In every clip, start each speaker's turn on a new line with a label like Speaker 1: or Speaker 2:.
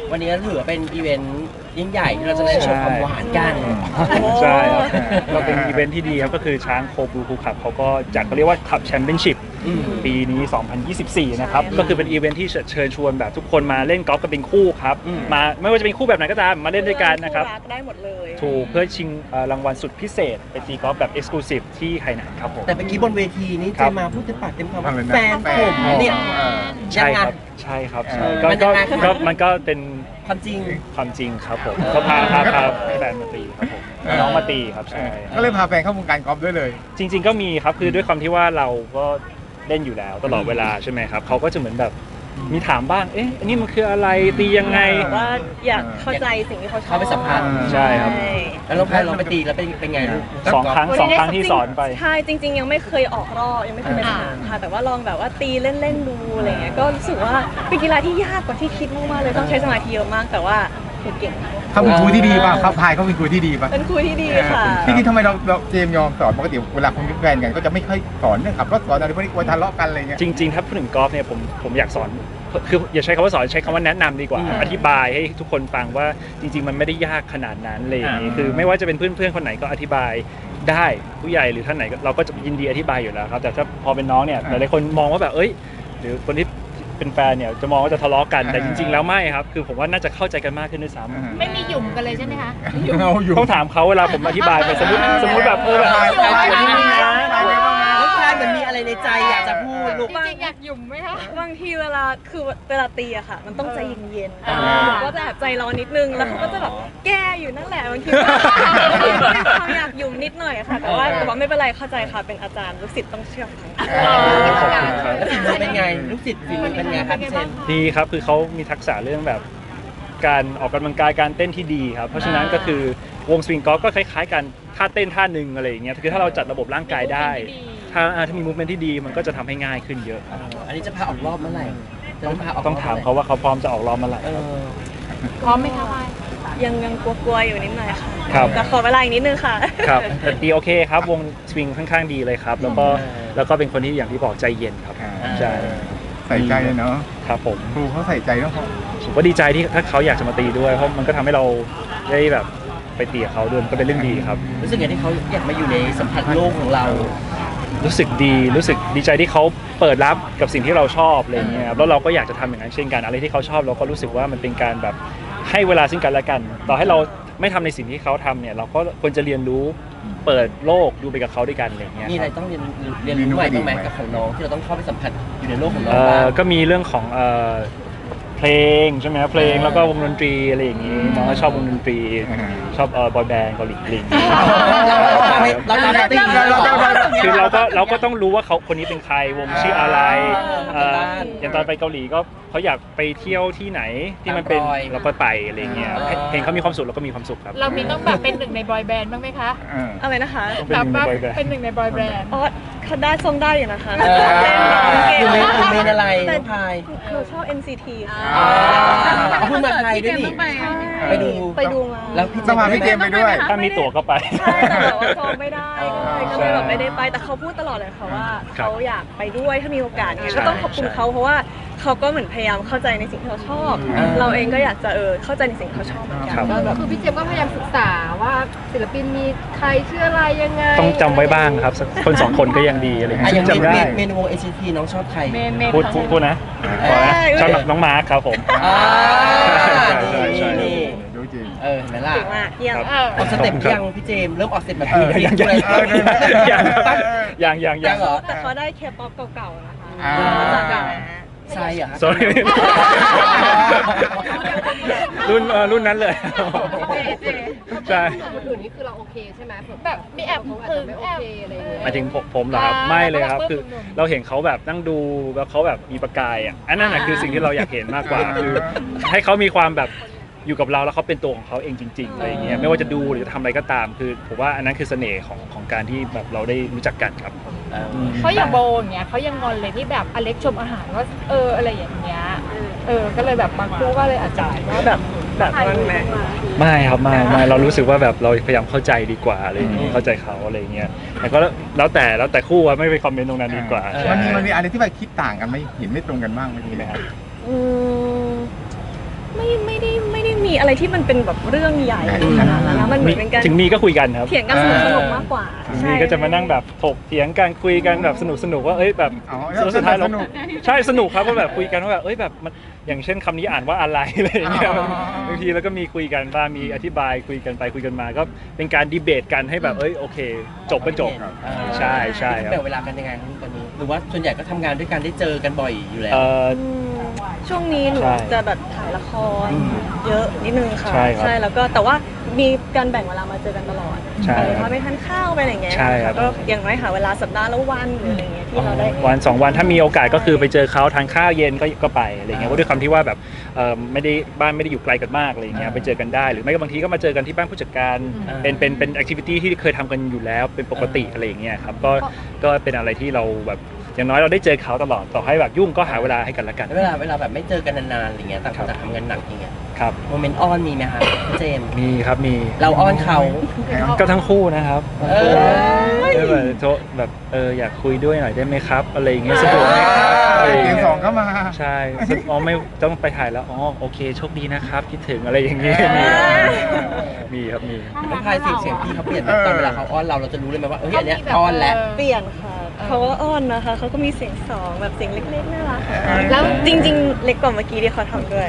Speaker 1: วันนี้ก็ถือว่าเป็นอีเวนต์ยิ่งใหญ่ที่เราจะได้โชว์ความหวานกัน
Speaker 2: ใช่ครับก็เป็นอีเวนท์ที่ดีครับก็คือช้างโคบูคูขับเขาก็จัดเขาเรียกว่าขับแชมเปี้ยนชิพปีนี้ 2024 นะครับก็คือเป็นอีเวนท์ที่เชิญชวนแบบทุกคนมาเล่นกอล์ฟกันเป็นคู่ครับมาไม่ว่าจะเป็นคู่แบบไหนก็ตามมาเล่นด้วยกันนะครับ
Speaker 3: ได้หมดเลย
Speaker 2: ถูกเพื่อชิงรางวัลสุดพิเศษไปตีกอล์ฟแบบเอ็กซ์คลูซีฟที่ไหหนานครับผม
Speaker 1: แต่เมื่อกี้บนเวทีนี้เจมาพูดเต็มปากเต็มคำว่าแฟนผมเนี่ย
Speaker 2: ใช่ครับใช่ครับก็มันก็เป็น
Speaker 1: ความจริง
Speaker 2: ครับผมก็พาแฟนมาตีครับผมน้องมาตีครับใช่
Speaker 4: ก็เลยพาแฟนเข้าวงการกอล์ฟด้วยเลย
Speaker 2: จริงๆก็มีครับคือด้วยความที่ว่าเราก็เล่นอยู่แล้วตลอดเวลาใช่ไหมครับเขาก็จะเหมือนแบบมีถามบ้างเอ๊ะอันนี้มันคืออะไรตียังไง
Speaker 3: ว่าอยากเข้าใจสิ่งที่เขาชอบ
Speaker 1: เข้าไปสัมผัส
Speaker 2: ใช่ครับ
Speaker 1: แล้วเราไปตีแล้วเป็นไง
Speaker 2: สองครั้งที่สอนไป
Speaker 3: ใช่จริงๆยังไม่เคยออกรอบยังไม่เคยไปสนามค่ะแต่ว่าลองแบบว่าตีเล่นๆดูอะไรเงี้ยก็รู้สึกว่าเป็นกีฬาที่ยากกว่าที่คิดมากๆเลยต้องใช้สมาธิเยอะมากแต่ว่าเก่ง
Speaker 4: เขาเป็นครูที่ดีป่ะเขาพายเขาเป็นครูที่ดีป่ะ
Speaker 3: เป็นครูที่ดีค่ะ
Speaker 4: ที่ทำไมเราเจมยอมสอนปกติเวลาคนเป็นแฟนกันก็จะไม่ค่อยสอนเรื่องขับรถสอนอะไรพวกนี้กลัวทะเลาะกันอะไรเงี้ย
Speaker 2: จริงๆถ้าพูดถึงกอล์ฟเนี่ยผมอยากสอนคืออย่าใช้คำว่าสอนใช้คำว่าแนะนำดีกว่าอธิบายให้ทุกคนฟังว่าจริงๆมันไม่ได้ยากขนาดนั้นเลยอย่างนี้คือไม่ว่าจะเป็นเพื่อนๆคนไหนก็อธิบายได้ผู้ใหญ่หรือท่านไหนเราก็จะยินดีอธิบายอยู่แล้วครับแต่ถ้าพอเป็นน้องเนี่ยหลายๆคนมองว่าแบบหรือคนที่เป็นแฟนเนี่ยจะมองว่าจะทะเลาะกันแต่จริงๆแล้วไม่ครับคือผมว่าน่าจะเข้าใจกันมากขึ้นด้วยซ้
Speaker 5: ำไม่มีหยุ่มกันเลยใช่ไหมคะ
Speaker 2: ต้องถามเขาเวลาผมอธิบายไปสมมติแบบแบบ
Speaker 1: แล้วชายเหมือนมีอะไรในใจอยากจะพูดลูก
Speaker 5: จริงๆอยากหยุ่มไหมคะ
Speaker 3: บางทีเวลาตีอะค่ะมันต้องใจเย็นๆก็จะแบบใจร้อนนิดนึงแล้วเขาก็จะแบบแก้อยู่นั่นแหละบางทีเขาอยากหยุ่มนิดหน่อยค่ะแต่ว่าไม่เป็นไรเข้าใจค่ะเป็นอาจารย์ลูกศิษย์ต้องเชื่อฟัง
Speaker 1: แล้วฝีมือเป็นไงลูกศิษย์ฝีมือเป็นไงครับเช่น
Speaker 2: ดีครับคือเขามีทักษะเรื่องแบบการออกกำลังกายการเต้นที่ดีครับเพราะฉะนั้นก็คือวงสวิงกอล์ฟก็คล้ายๆกันท่าเต้นท่าหนึ่งอะไรอย่างเงี้ยคือถ้าเราจัดระบบร่างกายได้ถ้ามีมูฟเมนท์ที่ดีมันก็จะทำให้ง่ายขึ้นเยอะ
Speaker 1: อันนี้จะพาออกรอบเมื่อไหร่
Speaker 2: ต้องถามเขาว่าเขาพร้อมจะออกรอบเมื่อไหร่
Speaker 5: พร้อมไหมคะ
Speaker 3: ยังกลัวๆอยู่นิดหน่อยค่ะ
Speaker 2: ครับ
Speaker 3: แต่ขอเวลาอีกนิดนึงค่ะ
Speaker 2: ครับแต่ดีโอเคครับวงสวิงค่อนข้างดีเลยครับแล้วก็เป็นคนที่อย่างที่บอกใจเย็นครับใช่
Speaker 4: ใส่ใจเนาะ
Speaker 2: ครับผม
Speaker 4: ครูเขาใส่ใจแล้ว
Speaker 2: ผมก็ดีใจที่ถ้าเขาอยากจะมาตีด้วยเพราะมันก็ทำให้เราได้แบบไปตีกับเขาด้วยก็เป็นเรื่องดีครับ
Speaker 1: รู้สึกไงที่เขาอยากมาอยู่ในสัมผัสโลกของเรา
Speaker 2: รู้สึกดีใจที่เขาเปิดรับกับสิ่งที่เราชอบอะไรเงี้ยแล้วเราก็อยากจะทำอย่างนั้นเช่นกันอะไรที่เขาชอบเราก็รู้สึกว่ามันเป็นการแบบให้เวลาซึ่งกันและกันต่อให้เราไม่ทำในสิ่งที่เขาทำเนี่ยเราก็ควรจะเรียนรู้เปิดโลกดูไปกับเขาด้วยกันอะไรเงี้ย
Speaker 1: มีอะไรต้องเรียนรู้ใหม่บ้างไหมกับของน้องที่เราต้องเข้าไปสัมผัสอยู่ในโลกของน้อง
Speaker 2: ก็มีเรื่องของเพลงใช่ไหมเพลงแล้วก็วงดนตรีอะไรอย่างนี้น้องก็ชอบวงดนตรีชอบบอยแบนด์เกาหลีลิงคือเราก็ต้องรู้ว่าเขาคนนี้เป็นใครวงชื่ออะไรอย่างตอนไปเกาหลีก็เขาอยากไปเที่ยวที่ไหนที่มันเป็นเราก็ไปอะไรเงี้ยเห็นเขามีความสุขเราก็มีความสุขครับ
Speaker 5: เรามีต้องแบบเป็นหนึ่งในบอยแบนด์บ้างไหมคะ
Speaker 3: อะไรนะคะ
Speaker 5: แบบเป็นหนึ่งในบอยแบนด์
Speaker 3: เขาได้ทรงได้อยู่นะคะ
Speaker 1: อยู่ในอะไรพาย
Speaker 3: หนูชอบ NCT
Speaker 1: พูดมาไทยด้วยนี่
Speaker 3: ไปดูมา
Speaker 1: แล้วพี่เจม
Speaker 4: ไปด้วย
Speaker 2: ถ้ามีตั๋วก็ไป
Speaker 3: ใช่แต่ว่าจองไม่ได้ก็เลยแบบไม่ได้ไปแต่เขาพูดตลอดเลยค่ะว่าเขาอยากไปด้วยถ้ามีโอกาสเนี่ยก็ต้องขอบคุณเขาเพราะว่าเขาก็เหมือนพยายามเข้าใจในสิ่งที่เขาชอบเราเองก็อยากจะเข้าใจในสิ่งที่เขาชอบเหมือนกัน
Speaker 5: คือพี่เจมก็พยายามศึกษาว่าศิลปินมีใครชื่ออะไรยังไง
Speaker 2: ต้องจำไว้บ้างครับคนสองคนก็ยังดีอะไรอย่างเงี้ย
Speaker 1: จำได้เมนูวง NCT น้องชอบใคร
Speaker 2: พูดนะชอบน้องมาร์คครับผม
Speaker 1: ใช่
Speaker 4: รู้จริง
Speaker 1: เห็นไหมล่ะ
Speaker 3: อ
Speaker 1: อกสเต็ปยังพี่เจมเริ่มออกสเต็ปแบบนี้
Speaker 2: ยัง
Speaker 1: เหรอ
Speaker 3: แต่เขาได้เคป๊อปเก่าๆนะคะ
Speaker 1: ใช่เหรอ
Speaker 2: sorry รุ่นนั้นเลยใช่
Speaker 5: คนอื่นนี่คือเราโอเคใช่ไหมแบบมีแอบถึงแอบอะไรอย่างเงี้ย
Speaker 2: หมายถึงผมเหรอครับไม่เลยครับคือเราเห็นเขาแบบนั่งดูแล้วเขาแบบมีประกายอันนั้นคือสิ่งที่เราอยากเห็นมากกว่าคือให้เขามีความแบบอยู่กับเราแล้วเขาเป็นตัวของเขาเองจริงๆอะไรเงี้ยไม่ว่าจะดูหรือจะทำอะไรก็ตามคือผมว่าอันนั้นคือเสน่ห์ของการที่แบบเราได้รู้จักกันครับ
Speaker 5: เขาอย่างโบอย่างเงี้ยเขายังงอนเลยที่แบบอเล็กชมอาหารว่าอะไรอย่างเงี้ยก็เลยแบบบางคู่ก็เลยอาจจะว่าแบบ
Speaker 3: นั้นไหม
Speaker 2: ไม่ครับไม่เรารู้สึกว่าแบบเราพยายามเข้าใจดีกว่าอะไรอย่างเงี้ยเข้าใจเขาอะไรเงี้ยแต่ก็แล้วแต่คู่ว่าไม่ไปคอมเมนต์ตรงนั้นดีกว่า
Speaker 4: มันมีอะไรที่แบบคิดต่างกันไหมเห็นไม่ตรงกันบ้างไม่มีเลยครับ
Speaker 3: ไม่อะไรที่มันเป็นแบบเรื่องใหญ่ขนาดนั้นนะมันเหมือนเป็นการ
Speaker 2: ถึงมีก็คุยกันครับ
Speaker 3: เถียงกันสนุกๆมากกว่า
Speaker 2: ถึงมีก็จะมานั่งแบบถกเถียงกันคุยกันแบบสนุกว่าเอ้ยแบบ
Speaker 4: อ๋อ
Speaker 2: สุดท้ายเรา
Speaker 4: สนุก
Speaker 2: ใช่สนุกครับก็แบบคุยกันว่าแบบเอ้ยแบบมันอย่างเช่นคำนี้อ่านว่าอะไรอะไรอย่างเงี้ย
Speaker 4: อ๋อ
Speaker 2: บางทีแล้วก็มีคุยกันบ้างมีอธิบายคุยกันไปคุยกันมาก็เป็นการดีเบตกันให้แบบเอ้ยโอเค จบก็จบใช่ใช่ครับ
Speaker 1: แบ่งเวลากันยังไงครับตอนนี้หรือว่าส่วนใหญ่ก็ทำงานด้วยกันได้เจอกันบ่อยอยู่แล้ว
Speaker 3: ช่วงนี้หนู
Speaker 2: ใช่
Speaker 3: จะแบบถ่ายละครเยอะนิดนึงค่ะ
Speaker 2: ใช่ครับ
Speaker 3: แล้วก็แต่ว่ามีการแบ่งเวลามาเจอกันตลอด
Speaker 2: ใช่
Speaker 3: ไปพาไปทานข้าวไปอะไรอย่างเงี้ย
Speaker 2: ใช่ครับ
Speaker 3: ก็อย่างน้อยหาเวลาสัปดาห์ละวันหรืออะไรเงี้ยที่เราได้
Speaker 2: วัน2 วันถ้ามีโอกาสก็คือไปเจอเขาทานข้าวเย็นก็ไปอะไรเงี้ยเพราะด้วยความที่ว่าแบบไม่ได้บ้านไม่ได้อยู่ไกลกันมากอะไรเงี้ยไปเจอกันได้หรือไม่ก็บางทีก็มาเจอกันที่บ้านผู้จัดการเป็นแอคทิวิตี้ที่เคยทำกันอยู่แล้วเป็นปกติอะไรอย่างเงี้ยครับก็เป็นอะไรที่เราแบบอย่างน้อยเราได้เจอเขาตลอดต่อให้แบบยุ่งก็หาเวลาให้กันละกัน
Speaker 1: เวลาแบบไม่เจอกันนานๆอะไรเงี้ยต่างคนต่างทำงานหนักอย่างเงี้ย
Speaker 2: ครับ
Speaker 1: โมเมนต์อ้อนมีไหมคะพี่เจมส์
Speaker 2: มีครับมี
Speaker 1: เราอ้อนเขา
Speaker 2: ก็ทั้งคู่นะครับ
Speaker 1: เออ
Speaker 2: แบบโทรแบบอยากคุยด้วยหน่อยได้ไหมครับอะไรอย่างเงี้ยสะดวกไหมครับอะไรอย่าง
Speaker 4: เสีย
Speaker 2: เงี้
Speaker 4: ง
Speaker 2: ย
Speaker 4: สองเข้ามา
Speaker 2: ใช่อ๋อไม่ต้องไปถ่ายแล้วอ๋อโอเคโชคดีนะครับคิดถึงอะไรอย่างเงี้ยมีครับมี
Speaker 1: แล้วพายเสียงพี่เขาเปลี่ยนไหมตอนเวลาเขาอ้อนเราจะรู้เลยไหมว่าเฮ้ยอันเนี้ยอ้อนแล้ว
Speaker 3: เปลี่ยนค่ะเขาก็อ้อนนะคะเขาก็มีเสียงสองแบบเสียงเล็กๆน่ารักค่ะ
Speaker 5: แล้ว
Speaker 3: จริง ๆ เล็กกว่าเมื่อกี้ที่เขาทำด้วย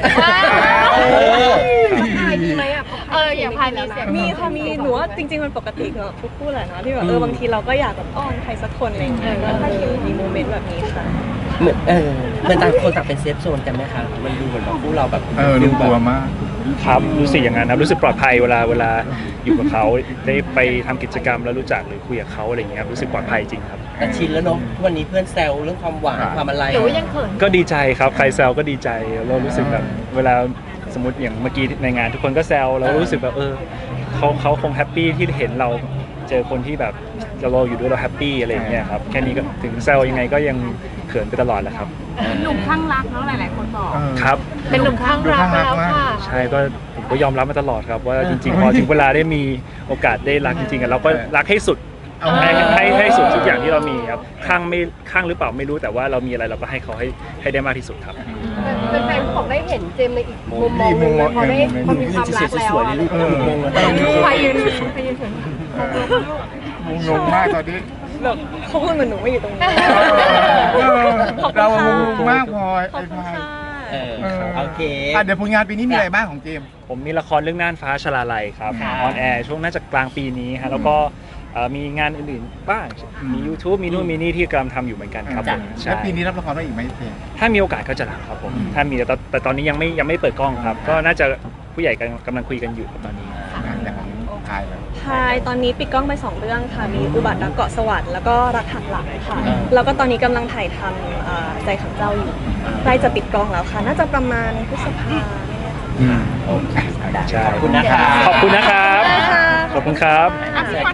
Speaker 5: พายมีไหมอ่ะอย่างพายมีเสียง
Speaker 3: มีค่ะมีหนูว่าจริง ๆ มันปกติกับทุกคู่แหละเนาะที่แบบบางทีเราก็อยากแบบอ้อนใครสักคนอะไรอย่างเงี้ยก็มีโมเมนต์แบบนี้ค่ะ
Speaker 1: เหมือนต่างคนต่างเป็นเซฟโซนกันไหมคะมันดูเหมือนแบบคู่เราแบบ
Speaker 4: ดูกลัวมาก
Speaker 2: ครับรู้สึกอย่างนั้นครับรู้สึกปลอดภัยเวลาอยู่กับเขาได้ไปทำกิจกรรมแล้วรู้จักหรือคุยกับเขาอะไรอย่างเงี้ยครับรู้สึกปลอดภัยจริงครับ
Speaker 1: แต่ชินแล้วเนาะทุกวันนี้เพื่อนแซวเรื่องความหวานความอะไร
Speaker 5: หรือว่ายังเขิน
Speaker 2: ก็ดีใจครับใครแซวก็ดีใจเรารู้สึกแบบเวลาสมมติอย่างเมื่อกี้ในงานทุกคนก็แซวเรารู้สึกแบบเขาคงแฮปปี้ที่เห็นเราเจอคนที่แบบเราอยู่ด้วยเราแฮปปี้อะไรอย่างเงี้ยครับแค่นี้ก็ถึงแซวยังไงก็ยังเขินไปตลอดแหละครับ
Speaker 5: หนุ่มข้างรักเนาะหลายๆคนบอก
Speaker 2: ครับ
Speaker 5: เป็นหนุ่มข้างรักไปแล้วค่ะ
Speaker 2: ใช่ก็ผมก็ยอมรับมาตลอดครับว่าจริงๆพอถึงเวลาได้มีโอกาสได้รักจริงๆอะเราก็รักให้สุดให้สุดทุกอย่างที่เรามีครับข้างหรือเปล่าไม่รู้แต่ว่าเรามีอะไรเราก็ให้เขาให้ได้มากที่สุดครับ
Speaker 5: เป็นแฟนๆบอกได้เห็นเจมส์ในอีกมุมมองหนึงเลยพอได้พอมีความรักแล้วอะ
Speaker 1: งงเลย
Speaker 5: พายยืนพายยืนถึง
Speaker 4: งงมากตอนนี้
Speaker 3: แบบเขาพูดเหมือนหนูไม่อยู่ตรงนี้ ขอบคุณค่ะ
Speaker 4: เรางงมากพลอย
Speaker 3: ขอบคุณค่ะ
Speaker 1: โอเค
Speaker 4: เดี๋ยวผลงานปีนี้มีอะไรบ้างของเจมส์
Speaker 2: ผมมีละครเรื่องน่านฟ้าชลาลัยครับ
Speaker 1: ค่ะ
Speaker 2: ออนแอร์ช่วงน่าจะกลางปีนี้ฮะแล้วก็มีงานอื่นๆบ้างมี YouTube มีนู่นมีนี่ที่กำลังทำอยู่เหมือนกันครับผมใช่
Speaker 4: แล้วปีนี้รับละครได้อีกไหมเจมส์
Speaker 2: ถ้ามีโอกาสก็จะรับครับผมถ้ามีแต่ตอนนี้ยังไม่เปิดกล้องครับ ก็น่าจะผู้ใหญ่กำลังคุยกันอยู่ครับตอนนี้
Speaker 4: แต่ของทายเลย
Speaker 3: พายตอนนี้ปิดกล้องไป 2 เรื่องค่ะ มีอุบัติรักเกาะสวรรค์แล้วก็รักหักหลังค่ะ แล้วก็ตอนนี้กำลังถ่ายทำใจขังเจ้าอยู่ใกล้จะปิดกล้องแล้วค่ะ น่าจะประมาณพฤษภา
Speaker 2: โอเคใช่
Speaker 1: ขอบคุณนะคะ
Speaker 2: ขอบคุณนะครับ ขอบคุณครับ
Speaker 5: อ่ะ